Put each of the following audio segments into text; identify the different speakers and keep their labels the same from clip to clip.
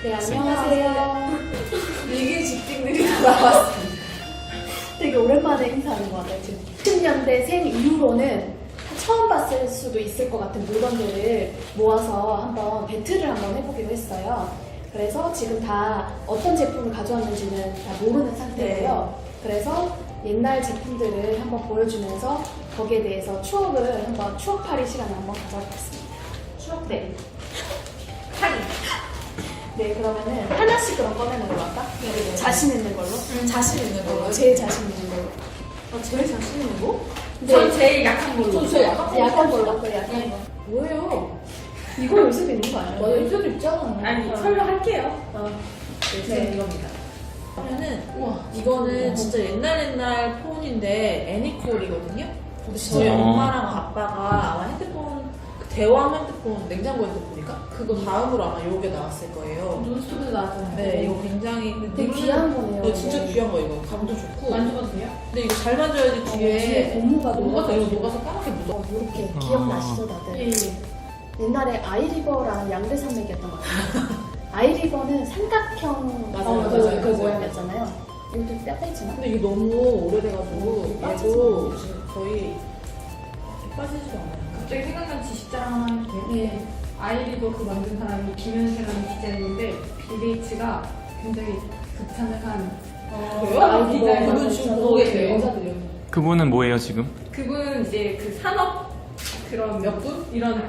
Speaker 1: 네, 안녕하세요.
Speaker 2: 이게 직딩들이 다 나왔습니다.
Speaker 1: 되게 오랜만에 인사하는 것 같아요. 지금 10년대생 이후로는 처음 봤을 수도 있을 것 같은 물건들을 모아서 한번 배틀을 한번 해보기로 했어요. 그래서 지금 다 어떤 제품을 가져왔는지는 다 모르는 상태고요. 그래서 옛날 제품들을 한번 보여주면서 거기에 대해서 추억을 한번 추억팔이 시간을 한번 가져보겠습니다. 추억? 네. 팔이. 네, 그러면은 하나씩 그럼 꺼내는 걸로 할까?
Speaker 2: 네.
Speaker 1: 자신 있는 걸로?
Speaker 2: 자신 있는 걸로.
Speaker 1: 제일 자신 있는 걸로.
Speaker 2: 제일 자신 있는 거?
Speaker 1: 네.
Speaker 3: 전 제일 약한 걸로.
Speaker 2: 저 제일 약한 거.
Speaker 1: 약한 걸로. 그래, 약한 거.
Speaker 2: 뭐예요?
Speaker 1: 이거 요새 있는 거 아니에요?
Speaker 2: 요새도 있잖아.
Speaker 3: 아니, 설명할게요.
Speaker 2: 네, 이겁니다. 그러면은 이거는 진짜 옛날 폰인데 애니콜이거든요. 근데 저희 엄마랑 아빠가 아마 핸드폰 대왕 핸드폰 냉장고 핸드폰인가? 그거 다음으로 아마 요게 나왔을 거예요.
Speaker 3: 논스톱에서 나왔잖아요.
Speaker 2: 네, 이거 굉장히
Speaker 1: 되게 귀한 거네요.
Speaker 2: 네, 진짜
Speaker 1: 네.
Speaker 2: 귀한 거 이거 감도 좋고.
Speaker 3: 만져봐도 돼요?
Speaker 2: 근데 이거 잘 만져야지
Speaker 1: 뒤에
Speaker 2: 뒤에
Speaker 1: 고무가
Speaker 2: 녹아서 이거 녹아서 까맣게 묻어.
Speaker 1: 이렇게 기억나시죠, 다들?
Speaker 3: 예.
Speaker 1: 옛날에 아이리버랑 양대산맥이었던 것 같아요. 아이리버는 삼각형
Speaker 2: 맞아요.
Speaker 1: 그 모양이었잖아요. 이것도 뼈빼지나?
Speaker 2: 근데 이게 너무 오래돼가지고 얘도 지금 거의 빠지지도 않아요.
Speaker 3: 갑자기 생각난 지식 자랑 하나 해도 돼요?
Speaker 1: 네.
Speaker 3: 아이리버 그 만든 사람이 김현세라는 디자이너인데 빌게이츠가 굉장히 극찬을 한
Speaker 2: 그래요?
Speaker 1: 아이리버
Speaker 3: 디자이너.
Speaker 2: 그분 지금 보고 계세요.
Speaker 3: 여자들이요.
Speaker 4: 그분은 뭐예요 지금?
Speaker 3: 그분은 이제 그 산업 그런 몇분 이런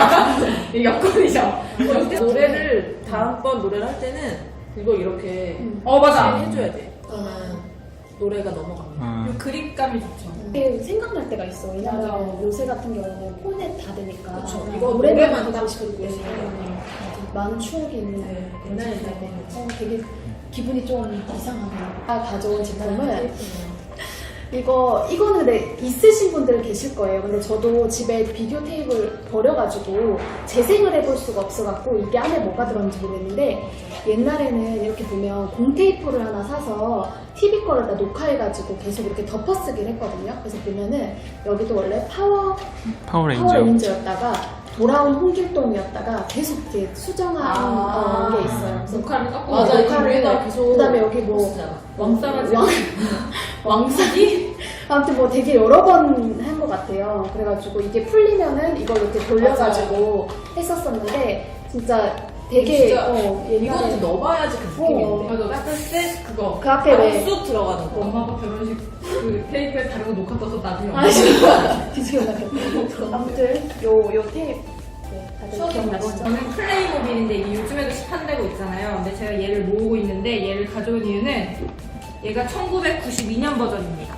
Speaker 3: 여건이죠.
Speaker 2: 노래를 다음번 노래를 할 때는 이걸 이렇게
Speaker 3: 맞아.
Speaker 2: 해줘야 돼. 그러면 노래가 넘어갑니다.
Speaker 4: 아,
Speaker 3: 그 그립감이 좋죠.
Speaker 1: 이게 생각날 때가 있어. 왜냐면
Speaker 3: 맞아.
Speaker 1: 요새 같은 경우는 폰에 다 되니까.
Speaker 2: 그쵸. 이거
Speaker 1: 노래만
Speaker 2: 노래만
Speaker 1: 듣고
Speaker 2: 딱
Speaker 1: 싶기
Speaker 2: 듣고
Speaker 1: 때문에
Speaker 2: 있으니까.
Speaker 1: 많은 추억이 있는
Speaker 2: 네,
Speaker 1: 그런
Speaker 2: 옛날에
Speaker 1: 제품인데 되게 기분이 좀 이상하네요. 가져온 제품은
Speaker 2: 네.
Speaker 1: 이거는 근데 있으신 분들 계실 거예요. 근데 저도 집에 비디오 테이프를 버려가지고 재생을 해볼 수가 없어갖고 이게 안에 뭐가 들었는지 모르겠는데 옛날에는 이렇게 보면 공테이프를 하나 사서 TV 거를 다 녹화해가지고 계속 이렇게 덮어쓰긴 했거든요. 그래서 보면은 여기도 원래
Speaker 4: 파워레인저.
Speaker 1: 파워레인저였다가 돌아온 홍길동이었다가 계속 이렇게 수정한 게 있어요. 그래서
Speaker 3: 녹화를 깎고
Speaker 2: 맞아,
Speaker 1: 녹화를
Speaker 2: 위에다 계속
Speaker 1: 그다음에 여기 뭐
Speaker 2: 쓰잖아.
Speaker 3: 왕싸가지
Speaker 1: 왕사기? 아무튼 뭐 되게 여러 번 한 것 같아요. 그래가지고 이게 풀리면은 이걸 이렇게 돌려가지고 했었었는데 진짜 되게
Speaker 2: 진짜
Speaker 1: 옛날에
Speaker 2: 이거는 좀 넣어봐야지 그 느낌인데.
Speaker 3: 맞아. 깎을 때 그거.
Speaker 1: 그 앞에 왜
Speaker 2: 쑥 들어가는 거.
Speaker 3: 엄마 아빠 결혼식 그 테이프에 다른 거 녹화 떠서 나중에
Speaker 1: 아, 진짜 기억나겠다. 아무튼 요 테이프 다들
Speaker 2: 추억이
Speaker 1: 기억나시죠?
Speaker 3: 저는 플레이모빌인데 이게 요즘에도 시판되고 있잖아요. 근데 제가 얘를 모으고 있는데 얘를 가져온 이유는 얘가 1992년 버전입니다.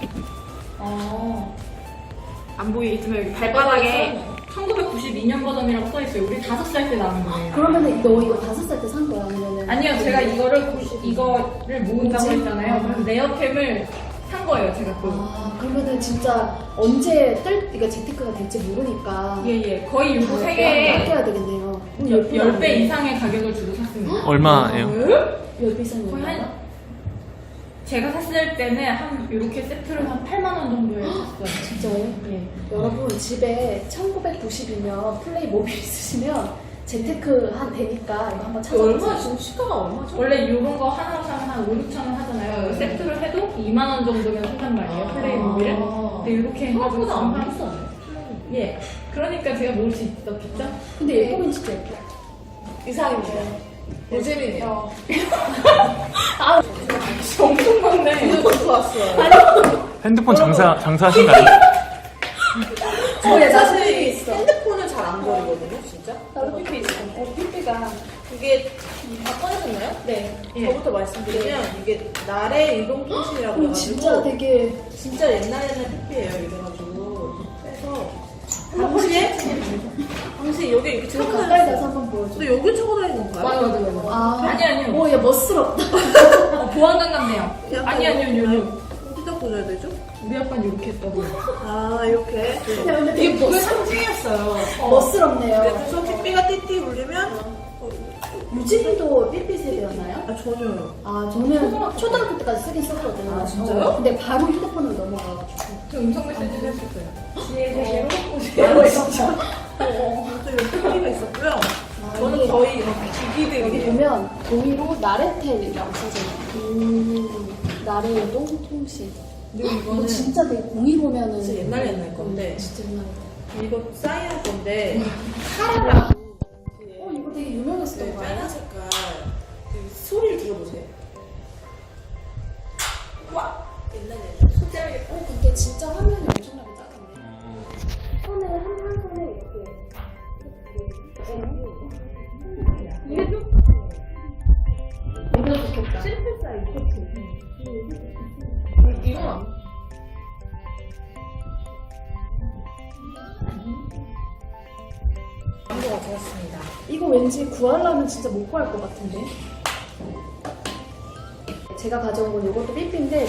Speaker 3: 안 보이겠지만 여기 발바닥에 1992년 버전이라고 써있어요. 우리 5살 때 나온 거예요.
Speaker 1: 그러면은 너 이거 5살 때 산 거야? 아니면은
Speaker 3: 아니요, 제가 이거를 모은다고
Speaker 1: 뭐지?
Speaker 3: 했잖아요. 그래서 네어캠을 산 거예요, 제가 또.
Speaker 1: 그러면은 진짜 언제 이거 재테크가 될지 모르니까
Speaker 3: 예. 거의 요거
Speaker 1: 다
Speaker 3: 3개에
Speaker 1: 아껴야 되겠네요.
Speaker 3: 10배 이상의 가격을 주고 샀습니다.
Speaker 4: 얼마예요?
Speaker 1: 10배 이상이요?
Speaker 3: 거의 제가 샀을 때는 한 이렇게 세트를 한 8만 원 정도에 샀어요.
Speaker 1: 진짜요?
Speaker 3: 예.
Speaker 1: 여러분 집에 1992년 플레이모빌 있으시면 재테크 되니까 이거 한번
Speaker 2: 얼마
Speaker 1: 찾아보세요.
Speaker 2: 지금 시가가 얼마죠?
Speaker 3: 원래 이런 거 하나로 사면 한 5, 6천 원 하잖아요. 세트를 해도 2만 원 정도면 산단 말이에요. 플레이모빌을. 근데 이렇게 해가지고
Speaker 2: 생각보다 안
Speaker 3: 지금
Speaker 2: 비싸네.
Speaker 3: 예. 그러니까 제가 모을 수 있었겠죠?
Speaker 1: 근데 예쁘긴 진짜 예뻐.
Speaker 2: 이상입니다. 노잼이네요.
Speaker 3: 엄청 많네.
Speaker 2: 이거 듣고 왔어요.
Speaker 4: 핸드폰 장사하신 거 아니에요?
Speaker 1: 저의
Speaker 2: 사실
Speaker 1: 사실이 있어.
Speaker 2: 핸드폰을 잘 안 버리거든요, 진짜.
Speaker 1: 나도 삐삐 있어. 삐삐가
Speaker 2: 그게 다 꺼내셨나요?
Speaker 1: 네.
Speaker 3: 예.
Speaker 2: 저부터 말씀드리면 이게 날의 이동 통신이라고 해가지고
Speaker 1: 진짜 되게
Speaker 2: 진짜 옛날 삐삐예요 이래가지고 그래서 당시에 여기 이렇게
Speaker 1: 좀
Speaker 2: 차고
Speaker 1: 가까이
Speaker 2: 다녔어요.
Speaker 1: 가서 한번 보여줘.
Speaker 2: 근데 여기 차고 다니는 건가요?
Speaker 1: 아,
Speaker 3: 아니요.
Speaker 1: 오, 얘 멋스럽다.
Speaker 3: 보안관 같네요.
Speaker 2: 약간
Speaker 3: 아니요.
Speaker 2: 어디다 꽂아야 되죠?
Speaker 3: 우리 아빠는 이렇게 했다고요.
Speaker 2: 아 이렇게
Speaker 1: 근데
Speaker 2: 이게
Speaker 1: 되게
Speaker 2: 그게 상징이었어요.
Speaker 1: 멋스럽네요.
Speaker 2: 그래서 삐삐가 띠띠 울리면
Speaker 1: 유진이도 삐삐 세대였나요?
Speaker 2: 아 전혀요.
Speaker 1: 아, 저는 초등학교 때까지 쓰긴 썼거든요.
Speaker 2: 아, 진짜요?
Speaker 1: 근데 바로 휴대폰으로 넘어가가지고.
Speaker 3: 저 음성 메시지도 했었어요. 지혜 세계로
Speaker 2: 아 진짜. 또 이런 삐삐가 있었고요. 저는 거의 이런
Speaker 1: 여기
Speaker 2: 기기들이
Speaker 1: 보면 종이로 나레텔이라고 써져요. 나레동 통신.
Speaker 2: 그리고
Speaker 1: 이거
Speaker 2: 이거는
Speaker 1: 진짜 되게 공이 보면은
Speaker 2: 진짜 옛날 건데
Speaker 1: 진짜 옛날.
Speaker 2: 이거 사이언 건데
Speaker 1: 카라라. 이거 되게 유명했었던 거예요.
Speaker 2: 빨간 색깔 그 소리를 들어보세요. 와 옛날 소재하게
Speaker 1: 근데 진짜 화면이 엄청나게 작은데. 손을 한 손에 이렇게. 이게 좀. 이거 좋겠다.
Speaker 2: 실패 사이즈 이거 광고가 되었습니다.
Speaker 1: 이거 왠지 구하려면 진짜 못 구할 것 같은데. 제가 가져온 건 이것도 삐삐인데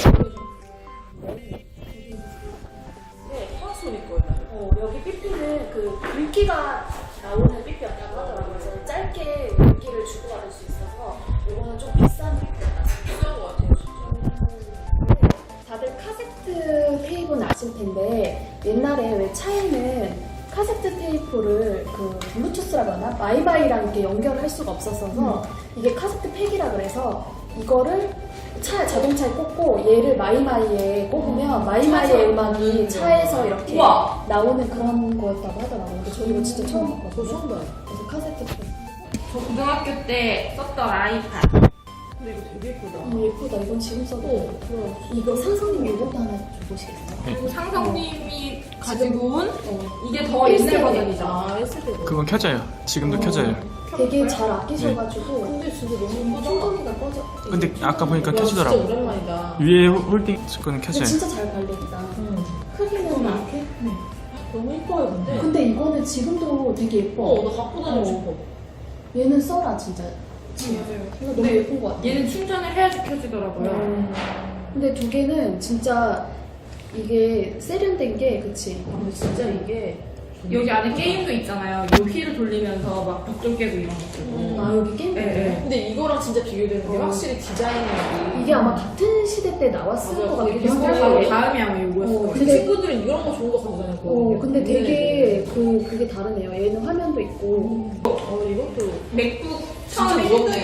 Speaker 2: 네, 파소일 거예요.
Speaker 1: 여기 삐삐는 그 글귀가 나오는 삐삐였다고 하더라고요. 그래서 짧게 글귀를 주고받을 수 있어서 이거는 좀 비싼 삐삐였다.
Speaker 2: 비싼 것 같아요, 진짜.
Speaker 1: 다들 카세트 테이프는 아실 텐데 옛날에 왜 차에는 카세트 테이프를 그 블루투스라고 하나? 마이마이랑 이렇게 연결할 수가 없었어서 이게 카세트 팩이라 그래서 이거를 자동차에 꽂고 얘를 마이마이에 꽂으면 마이마이의 음악이 차에서 이렇게
Speaker 3: 우와.
Speaker 1: 나오는 그런 거였다고 하더라고요. 근데 저 이거 진짜 처음 봤거든요.
Speaker 2: 저 처음 봐요.
Speaker 1: 그래서 카세트 팩.
Speaker 3: 저 고등학교 때 썼던 아이팟.
Speaker 2: 근데 이거 되게 예쁘다.
Speaker 1: 예쁘다. 이건 지금 써도 이거 상성님 이것도 하나 줘보시겠어요?
Speaker 3: 그리고 상성님이 가지고 온
Speaker 1: 어.
Speaker 3: 이게 더 옛날 버전이죠.
Speaker 2: 아, 했을 때도.
Speaker 4: 그건 켜져요. 지금도 켜져요.
Speaker 1: 되게 잘 아끼셔가지고
Speaker 2: 근데 진짜 너무 예쁘다.
Speaker 1: 충전기가 꺼져.
Speaker 4: 근데 아까 보니까
Speaker 2: 와, 진짜
Speaker 4: 켜지더라고.
Speaker 2: 오랜만이다.
Speaker 4: 위에 홀딩 거는
Speaker 1: 근데
Speaker 4: 켜져요.
Speaker 1: 진짜 잘 발린다. 크기는 이렇게.
Speaker 2: 너무 예뻐요, 근데.
Speaker 1: 근데 이거는 지금도 되게 예뻐.
Speaker 2: 나 갖고 다니고 싶어.
Speaker 1: 얘는 써라 진짜.
Speaker 3: 맞아요.
Speaker 1: 이거 너무 예쁜 것 같아.
Speaker 3: 얘는 충전을 해야지 켜지더라고요.
Speaker 1: 근데 두 개는 진짜 이게 세련된 게 그치?
Speaker 2: 근데 진짜 이게
Speaker 3: 여기 안에 게임도 있잖아요. 요 휠을 돌리면서 막 벽돌 깨고 이런 것들.
Speaker 1: 아 여기 게임.
Speaker 3: 네, 네.
Speaker 2: 근데 이거랑 진짜 비교되는 게 확실히 디자인이
Speaker 1: 이게 아마 같은 시대 때 나왔을
Speaker 2: 맞아.
Speaker 1: 것 같기도
Speaker 2: 비슷하게
Speaker 1: 하고.
Speaker 3: 바로 다음이 아마 요거였을 거예요.
Speaker 2: 근데 친구들은 이런 거 좋은 거 가지고 다녔거든요.
Speaker 1: 근데 되게 그게 다르네요. 얘는 화면도 있고.
Speaker 2: 이것도
Speaker 3: 맥북
Speaker 2: 진짜
Speaker 3: 처음에
Speaker 2: 무겁네.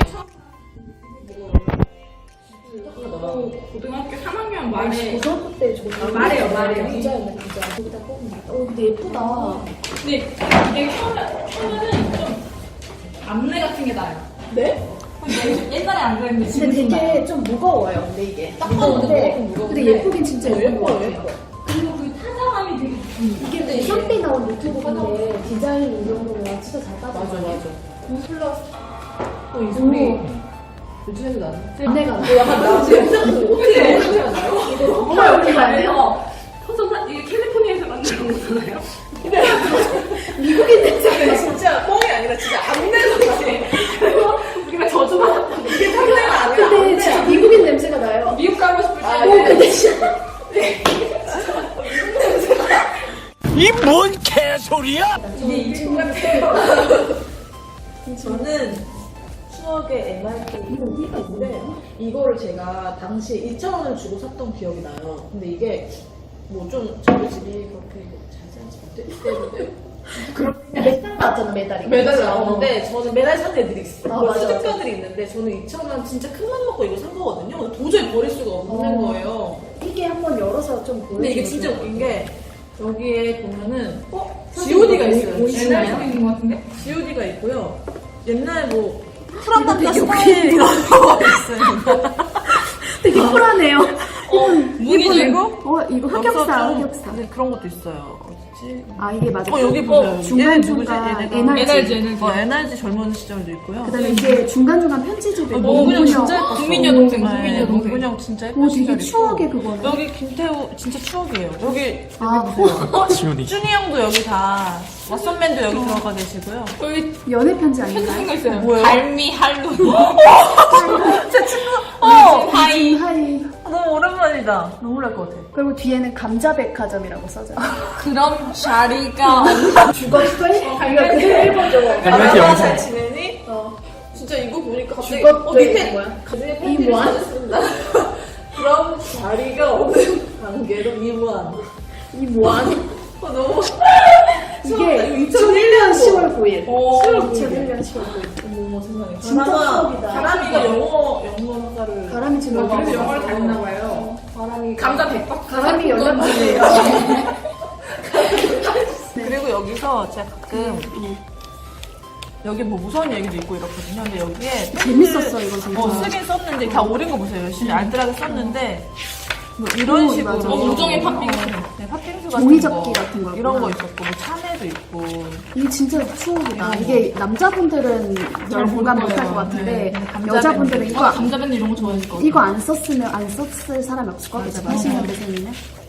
Speaker 3: 고등학교 3학년 말에
Speaker 1: 고등학교 때 저거
Speaker 3: 말해요.
Speaker 1: 부자였네 부자. 거기다 꼽으면. 근데 예쁘다.
Speaker 3: 근데 이게 켜면은 좀 암내 같은 게 나요.
Speaker 2: 네?
Speaker 3: 옛날에 안 그랬는데 지금
Speaker 1: 근데
Speaker 3: 좀 나요.
Speaker 1: 되게 좀 무거워요. 근데 이게
Speaker 2: 딱 봐도
Speaker 1: 무거운데
Speaker 2: 무겁고
Speaker 1: 근데 예쁘긴 진짜 예쁜 것
Speaker 2: 예뻐요,
Speaker 1: 같아요.
Speaker 2: 예뻐.
Speaker 3: 그리고 그 타자감이 되게
Speaker 1: 이게 현대 나온 노트북인데 디자인 이 정도면 진짜 잘 빠져.
Speaker 2: 맞아. 플러스 이 소리 요즘에도 나는.
Speaker 1: 안내가
Speaker 2: 약간 나 지금 어떻게 소리가 나요?
Speaker 1: 정말 어떻게 나요?
Speaker 3: 터져서 이게 캘리포니아에서 만든 거잖아요.
Speaker 1: 미국인 냄새가
Speaker 2: 진짜 뻥이 아니라 진짜 안내서
Speaker 3: 그리고 우리가 저주받았다.
Speaker 2: 이게 상대가 아니라
Speaker 1: 근데 진짜 미국인 냄새가 나요.
Speaker 3: 미국 가고 싶을 때
Speaker 1: 근데 진짜
Speaker 5: 이 뭔 개소리야?
Speaker 2: 이게 이중 같아요. 저는 추억의 MRT가 있는데 이거를 제가 당시에 2,000원을 주고 샀던 기억이 나요. 근데 이게 뭐 좀 저희 집이 그렇게 자세하지 못했기 때문에
Speaker 1: 메달 나왔잖아 메달이.
Speaker 2: 메달이 나오는데 저는 메달 산 애들이 있어요.
Speaker 1: 아, 맞아,
Speaker 2: 수집가들이 있는데 저는 2,000원 진짜 큰 맘 먹고 이거 산 거거든요. 근데 도저히 버릴 수가 없는 거예요.
Speaker 1: 이게 한번 열어서 좀 보여.
Speaker 2: 근데 이게 진짜 웃긴 게 여기에 보면은 G.O.D가 있어요.
Speaker 3: 옛날 소리 있는 것 같은데?
Speaker 2: G.O.D가 있고요. 옛날 뭐 프란단다 스타일 이런 거 있어요.
Speaker 1: 되게 쿨하네요.
Speaker 3: 무기죠
Speaker 1: 이거 흑역사.
Speaker 2: 네, 그런 것도 있어요. 어디지?
Speaker 1: 아 이게 맞아.
Speaker 2: 여기 보세요.
Speaker 1: 중간
Speaker 2: 얘는 누구지?
Speaker 1: 중간
Speaker 2: 얘네가
Speaker 1: NRG.
Speaker 2: NRG 젊은 시절도 있고요.
Speaker 1: 그다음에 이게 중간 중간 편지지도 있고.
Speaker 2: 문근영 진짜 예뻤어.
Speaker 3: 국민 여동생,
Speaker 2: 네,
Speaker 3: 국민 여동생.
Speaker 2: 문근영 진짜 예쁜
Speaker 1: 오
Speaker 2: 시절
Speaker 1: 되게
Speaker 2: 있고.
Speaker 1: 추억의 그거네.
Speaker 2: 여기 김태우 진짜 추억이에요. 여기
Speaker 1: 아
Speaker 4: 지훈이.
Speaker 2: 준이 형도 여기 다 왓썸맨도 여기 들어가 계시고요.
Speaker 3: 여기
Speaker 1: 연애 편지
Speaker 3: 편지
Speaker 1: 아닌가요?
Speaker 3: 쓴거 있어요.
Speaker 2: 뭐예요?
Speaker 3: 갈미 할로.
Speaker 2: 제 친구.
Speaker 3: 하이.
Speaker 1: 하이.
Speaker 2: 너무 오랜만이다. 눈물 것 같아.
Speaker 1: 그리고 뒤에는 감자백화점이라고 써져.
Speaker 3: 그럼 자리가
Speaker 1: 죽었어? 이거 그대로 읽어줘.
Speaker 4: MRT 영상.
Speaker 2: 잘 지내니? 진짜 이거 보니까 갑자기
Speaker 1: 죽었대.
Speaker 2: 밑에
Speaker 1: 뭐야?
Speaker 2: 가슴에
Speaker 1: 이
Speaker 2: 팬티를
Speaker 1: 뭐야?
Speaker 2: 찾았습니다. 그럼 자리가 없는 관계로 이무한.
Speaker 1: 이 뭐하니?
Speaker 2: 너무
Speaker 1: 이게 2001년 10월 9일.
Speaker 2: 오,
Speaker 1: 2001년 10월 9일.
Speaker 2: 어머 세상에.
Speaker 1: 진짜 추억이다.
Speaker 2: 바람이가 영어 학과를.
Speaker 1: 가람이 지금
Speaker 3: 그래서 영어를 다녔나 봐요. 감자 백박.
Speaker 1: 가람이 연락 주세요.
Speaker 2: 그리고 여기서 제가 가끔 여기 뭐 무서운 얘기도 있고 이렇거든요. 근데 여기에
Speaker 1: 재밌었어, 이거 진짜.
Speaker 2: 쓰긴 썼는데 다 오린 거 보세요. 열심히 알뜰하게 썼는데 뭐 이런 식으로
Speaker 1: 맞아.
Speaker 3: 우정의 팥빙수.
Speaker 2: 네, 팥빙수 같은
Speaker 1: 종이접기
Speaker 2: 거
Speaker 1: 같은 거
Speaker 2: 이런 거
Speaker 1: 있구나.
Speaker 2: 있었고 뭐 참외도 있고
Speaker 1: 이게 진짜 추억이다. 이게 남자분들은 별 공감 못할 것 같은데 여자분들은 이거
Speaker 3: 감자밴드 이런 거 좋아했을 것 같아요.
Speaker 1: 이거 안 썼을 사람이 없을 것 같아. 80년대생이면.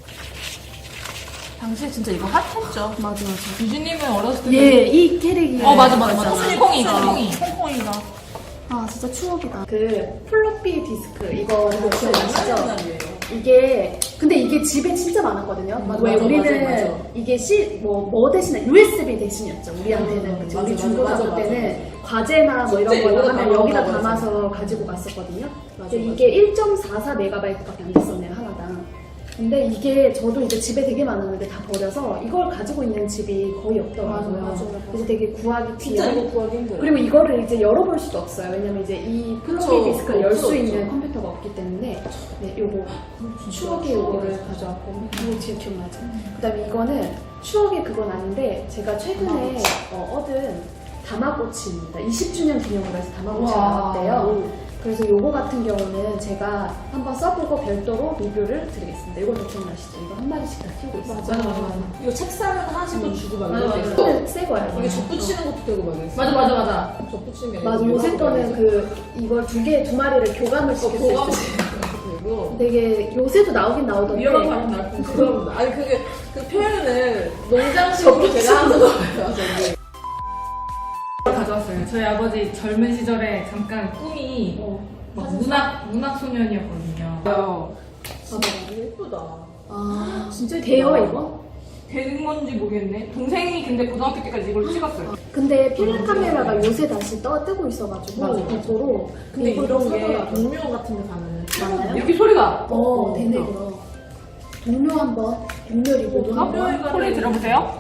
Speaker 2: 당시에 진짜 이거 핫했죠.
Speaker 1: 맞아.
Speaker 3: 유진님은 어렸을 때.
Speaker 1: 예, 이 캐릭이.
Speaker 3: 맞아.
Speaker 2: 콩콩이가.
Speaker 1: 아, 진짜 추억이다. 그 플로피 디스크 이거 기억나시죠?
Speaker 2: 옛날이에요.
Speaker 1: 이게 근데 이게 집에 진짜 많았거든요. 왜
Speaker 2: 맞아,
Speaker 1: 우리는
Speaker 2: 맞아.
Speaker 1: 이게 뭐 대신에 USB 대신이었죠. 우리한테는 그치? 우리
Speaker 2: 맞아,
Speaker 1: 중고등학교
Speaker 2: 맞아,
Speaker 1: 때는 과제나 뭐 이런
Speaker 2: 진짜
Speaker 1: 거
Speaker 2: 이거
Speaker 1: 하면 여기다
Speaker 2: 맞아.
Speaker 1: 담아서 가지고 갔었거든요. 근데
Speaker 2: 맞아.
Speaker 1: 이게 1.44MB밖에 안 됐었네요, 하나당. 근데 이게 저도 이제 집에 되게 많았는데 다 버려서 이걸 가지고 있는 집이 거의 없더라고요.
Speaker 2: 맞아.
Speaker 1: 그래서 되게 구하기
Speaker 2: 진짜
Speaker 1: 귀한.
Speaker 2: 이거 구하기 힘들어요.
Speaker 1: 그리고 이거를 이제 열어볼 수도 없어요. 왜냐면 이제 이 플로피
Speaker 2: 그쵸.
Speaker 1: 디스크를 열 수
Speaker 2: 없죠,
Speaker 1: 있는
Speaker 2: 없죠.
Speaker 1: 컴퓨터가 없기 때문에 네, 요거 추억의 요거를 가져왔고 이거 진짜 기억나죠? 그다음에 이거는 추억의 그건 아닌데 제가 최근에 얻은 다마고치입니다. 20주년 기념으로 해서 다마고치가
Speaker 3: 우와.
Speaker 1: 나왔대요. 그래서 요거 같은 경우는 제가 한번 써보고 별도로 리뷰를 드리겠습니다. 이것도 기억나시죠? 이거 한 마리씩 다 키우고 있어요.
Speaker 3: 맞아.
Speaker 2: 이거 책 사면 하나씩 또 주고 막
Speaker 3: 맞아,
Speaker 2: 이런 거
Speaker 3: 맞아.
Speaker 2: 있어.
Speaker 1: 이거는 새 거예요.
Speaker 2: 이게 접붙이는 것도 되고 막 이랬어.
Speaker 3: 맞아.
Speaker 2: 접붙이는 게
Speaker 1: 맞아. 요새 거는 그 이걸 두 마리를 교감을 시킬 수
Speaker 2: 고감
Speaker 1: 있어요.
Speaker 2: 되고
Speaker 1: 되게 요새도 나오긴 나오던데
Speaker 2: 위험한 거 아니면 나쁜 그럼 아니 그게 그 표현을 농장식으로 제가 하는 거예요. 저기.
Speaker 3: 가져왔어요. 저희 아버지 젊은 시절에 잠깐 꿈이 막 문학 소년이었거든요.
Speaker 2: 예쁘다.
Speaker 1: 아 진짜 돼요 이거?
Speaker 3: 되는 건지 모르겠네. 동생이 근데 고등학교 때까지 이걸 찍었어요.
Speaker 1: 근데 필름 카메라가 요새 다시 뜨고 있어가지고
Speaker 2: 맞아.
Speaker 1: 고프로
Speaker 2: 근데
Speaker 1: 이걸
Speaker 2: 이런 게
Speaker 1: 사더라고요.
Speaker 2: 동묘 같은 데 가면은
Speaker 1: 맞나요?
Speaker 3: 이렇게 소리가.
Speaker 1: 되네 그럼 동료 한번 동료 리뷰도 한번
Speaker 3: 소리 들어보세요.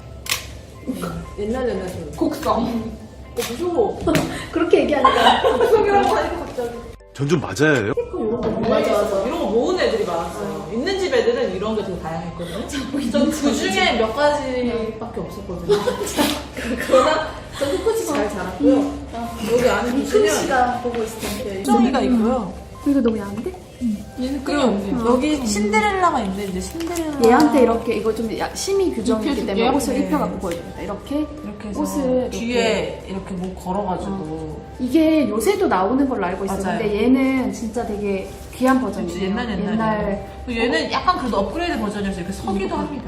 Speaker 2: 옛날 소리.
Speaker 3: 곡성.
Speaker 2: 무서워.
Speaker 1: 그렇게 얘기하니까
Speaker 2: 속이라고 하니까 갑자기.
Speaker 5: 전 좀 맞아요.
Speaker 1: 맞아.
Speaker 2: 이런 거 모으는 애들이 많았어요. 있는 집 애들은 이런 게 되게 다양했거든요. 전 그 중에 몇 가지밖에 없었거든요. 그러나 전 꿋꿋이 잘 자랐고요. 여기 안에
Speaker 1: 이큰
Speaker 2: 보시면
Speaker 1: 씨가 보고 있을 텐데
Speaker 2: 수정이가 있고요.
Speaker 1: 이거 너무 야한데?
Speaker 3: 얘는 끈이 없네.
Speaker 2: 여기 신데렐라가 있는데 이제 신데렐라
Speaker 1: 얘한테 이렇게 이거 좀 심의 규정이기 때문에
Speaker 3: 입혀줄게요?
Speaker 1: 옷을
Speaker 2: 네.
Speaker 1: 입혀갖고 보여줍니다. 이렇게
Speaker 2: 이렇게 해서
Speaker 1: 옷을
Speaker 2: 뒤에 이렇게 뭐 걸어가지고
Speaker 1: 이게 요새도 나오는 걸로 알고 있어요.
Speaker 2: 맞아요.
Speaker 1: 근데 얘는 진짜 되게 귀한 버전이에요.
Speaker 2: 옛날 얘는 약간 그래도 업그레이드 버전이어서 이렇게 서기도 합니다.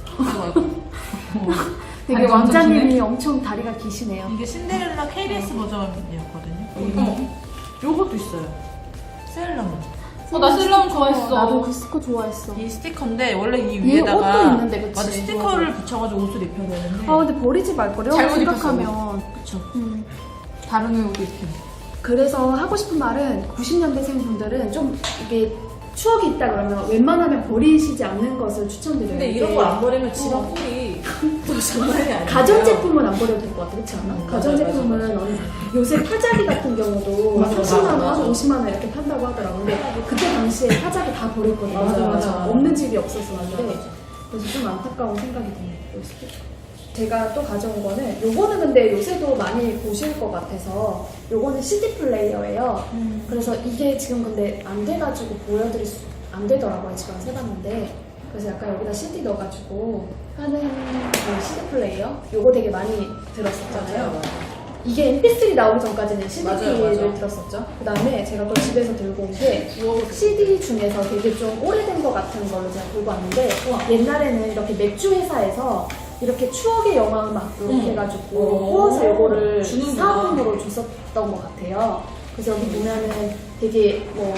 Speaker 1: 되게
Speaker 3: 아니,
Speaker 1: 왕자님이 엄청 다리가 기시네요.
Speaker 2: 이게 신데렐라 KBS 버전이었거든요. 요것도 있어요. 세일러문.
Speaker 3: 나 셀러문 좋아했어.
Speaker 1: 나도 그 스티커 좋아했어.
Speaker 2: 이 스티커인데 원래 이
Speaker 1: 얘
Speaker 2: 위에다가
Speaker 1: 옷도 있는데, 그치?
Speaker 2: 맞아 스티커를 붙여가지고 옷을 입혀야 되는데
Speaker 1: 아 근데 버리지 말 거려
Speaker 3: 잘못
Speaker 1: 생각하면.
Speaker 2: 그쵸.
Speaker 3: 다른 옷도 입힌.
Speaker 1: 그래서 하고 싶은 말은 90년대생 분들은 좀 이게 추억이 있다 그러면 웬만하면 버리시지 않는 것을 추천드려요.
Speaker 2: 근데 이런 걸 안 버리면 집안 꼴이 또 장난이 아니에요.
Speaker 1: 가전제품은 안 버려도 될 것 같아, 그렇지 않아?
Speaker 2: 맞아,
Speaker 1: 가전제품은 요새 파자기 같은 경우도
Speaker 2: 맞아,
Speaker 1: 30만
Speaker 2: 맞아.
Speaker 1: 원, 50만 원 이렇게 판다고 하더라고. 근데 그때 당시에 파자기 다 버렸거든요.
Speaker 2: 맞아.
Speaker 1: 없는 집이 없었었는데 그래서 좀 안타까운 생각이 드네요. 요 스티커. 제가 또 가져온 거는 요거는 근데 요새도 많이 보실 것 같아서 요거는 CD 플레이어예요. 그래서 이게 지금 근데 안 돼가지고 보여드릴 수 안 되더라고요. 지금 세봤는데 그래서 약간 여기다 CD 넣어가지고 하는 그 CD 플레이어 요거 되게 많이 들었었잖아요. 이게 MP3 나오기 전까지는 CD를
Speaker 2: 맞아요.
Speaker 1: 들었었죠. 그 다음에 제가 또 집에서 들고 온 게 CD 중에서 되게 좀 오래된 것 같은 걸로 제가 들고 왔는데 옛날에는 이렇게 맥주 회사에서 이렇게 추억의 영화 음악 이렇게 해가지고 구워서 이거를
Speaker 2: 주는구나.
Speaker 1: 사은으로 줬었던 것 같아요. 그래서 여기 보면은 되게 뭐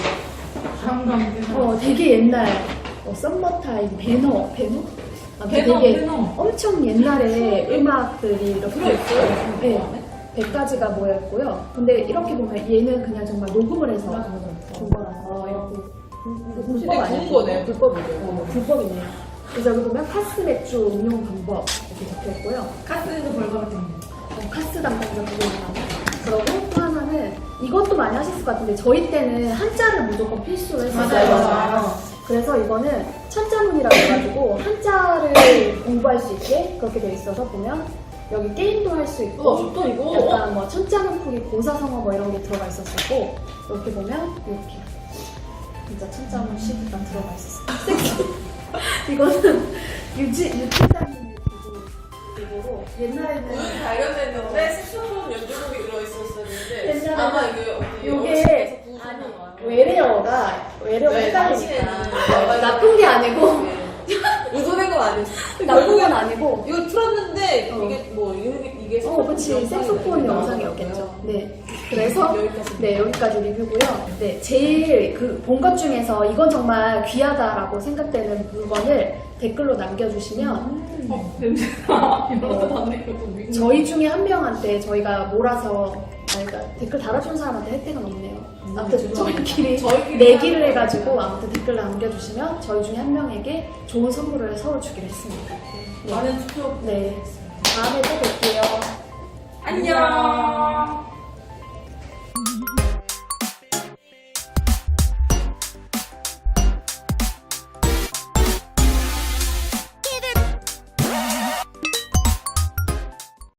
Speaker 1: 되게 옛날 썸머타임 배너? 아무튼 되게
Speaker 2: 배너.
Speaker 1: 엄청 옛날에 음악들이 이렇게
Speaker 2: 들어있어요.
Speaker 1: 네, 100가지가 모였고요. 근데 이렇게 보면 얘는 그냥 정말 녹음을 해서 준 거라서 이렇게 불법 아니야?
Speaker 2: 구운 거네. 불법이죠.
Speaker 1: 불법이네요. 그래서 여기 보면 카스 맥주 응용 방법 이렇게 적혀 있고요.
Speaker 3: 카스도 벌거가 됩니다.
Speaker 1: 카스 담당자 두 분이랑. 그리고 또 하나는 이것도 많이 하셨을 것 같은데 저희 때는 한자를 무조건 필수로 했었어요.
Speaker 3: 맞아요.
Speaker 1: 그래서 이거는 천자문이라고 해가지고 한자를 공부할 수 있게 그렇게 돼 있어서 보면 여기 게임도 할 수 있고
Speaker 2: 좋다 이거.
Speaker 1: 약간 뭐 천자문 풀이 고사성어 뭐 이런 게 들어가 있었고 이렇게 보면 이렇게 진짜 천자문 시트가 들어가 있었어요. 이거는 유치장님 이거로 옛날에는
Speaker 2: 발견됐는데 색소폰 연주곡이 들어있었었는데
Speaker 1: 옛날에는
Speaker 2: 아마 이게
Speaker 1: 요게 외래어가
Speaker 2: 네,
Speaker 1: 헷갈리니까
Speaker 2: 당시에는
Speaker 1: 나쁜 게 아니고
Speaker 2: 의도된 건 아니었어.
Speaker 1: 나쁜 건 아니고
Speaker 2: 이거 틀었는데
Speaker 1: 어.
Speaker 2: 이게 뭐 이게
Speaker 1: 그치 색소폰 영상이었겠죠. 네, 그래서 네 여기까지 리뷰고요. 네, 제일 본 것 중에서 이건 정말 귀하다라고 생각되는 물건을 댓글로 남겨주시면
Speaker 3: 냄새나.
Speaker 1: 저희 중에 한 명한테 저희가 몰아서 그러니까 댓글 달아준 사람한테 혜택은 없네요. 아무튼 저희끼리 내기를 해가지고 아무튼 댓글 남겨주시면 저희 중에 한 명에게 좋은 선물을 서울 주기로 했습니다. 네.
Speaker 2: 많은 투표
Speaker 1: 네, 다음에 또 뵐게요.
Speaker 3: 안녕.